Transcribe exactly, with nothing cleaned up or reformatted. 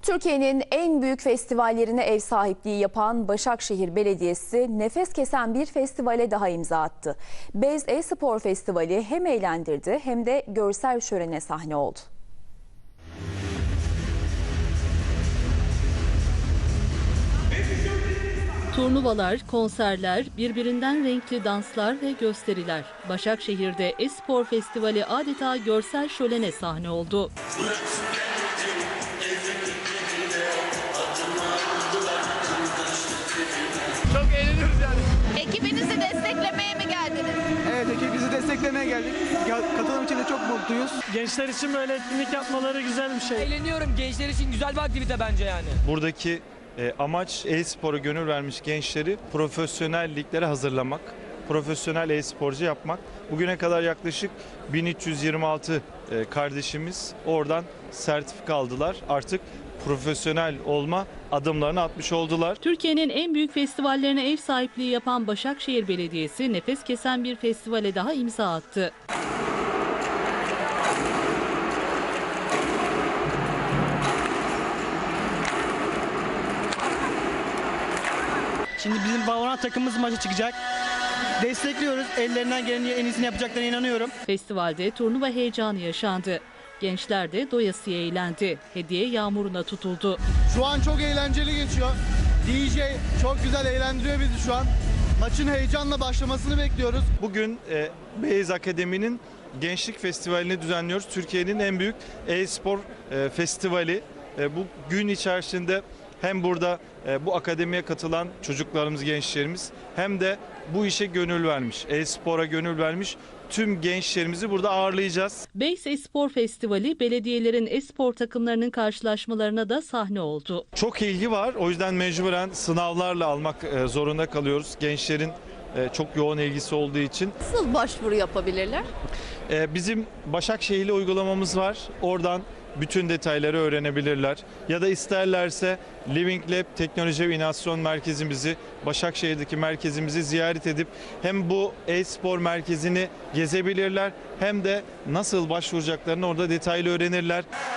Türkiye'nin en büyük festivallerine ev sahipliği yapan Başakşehir Belediyesi nefes kesen bir festivale daha imza attı. Beyz E-Spor Festivali hem eğlendirdi hem de görsel şölene sahne oldu. Turnuvalar, konserler, birbirinden renkli danslar ve gösteriler. Başakşehir'de E-Spor Festivali adeta görsel şölene sahne oldu. Çok eğleniyoruz yani. Ekibinizi desteklemeye mi geldiniz? Evet, ekibimizi desteklemeye geldik. Katılım için de çok mutluyuz. Gençler için böyle etkinlik yapmaları güzel bir şey. Eğleniyorum. Gençler için güzel bir aktivite bence yani. Buradaki e, amaç e-spora gönül vermiş gençleri profesyonel liglere hazırlamak, profesyonel e-sporcu yapmak. Bugüne kadar yaklaşık bin üç yüz yirmi altı e, kardeşimiz oradan sertifika aldılar. Artık profesyonel olma adımlarını atmış oldular. Türkiye'nin en büyük festivallerine ev sahipliği yapan Başakşehir Belediyesi nefes kesen bir festivale daha imza attı. Şimdi bizim Valorant takımımız maça çıkacak. Destekliyoruz. Ellerinden gelenin en iyisini yapacaklarına inanıyorum. Festivalde turnuva heyecanı yaşandı. Gençler de doyasıya eğlendi. Hediye yağmuruna tutuldu. Şu an çok eğlenceli geçiyor. D J çok güzel eğlendiriyor bizi şu an. Maçın heyecanla başlamasını bekliyoruz. Bugün e, Beyz Akademi'nin Gençlik Festivali'ni düzenliyoruz. Türkiye'nin en büyük e-spor e, festivali. E, bu gün içerisinde hem burada e, bu akademiye katılan çocuklarımız, gençlerimiz hem de bu işe gönül vermiş, e-spora gönül vermiş tüm gençlerimizi burada ağırlayacağız. Beyz E-Spor Festivali belediyelerin e-spor takımlarının karşılaşmalarına da sahne oldu. Çok ilgi var, o yüzden mecburen sınavlarla almak e, zorunda kalıyoruz. Gençlerin e, çok yoğun ilgisi olduğu için. Nasıl başvuru yapabilirler? E, bizim Başakşehir'li uygulamamız var. Oradan bütün detayları öğrenebilirler. Ya da isterlerse Living Lab Teknoloji ve İnovasyon Merkezimizi, Başakşehir'deki merkezimizi ziyaret edip hem bu e-spor merkezini gezebilirler hem de nasıl başvuracaklarını orada detaylı öğrenirler.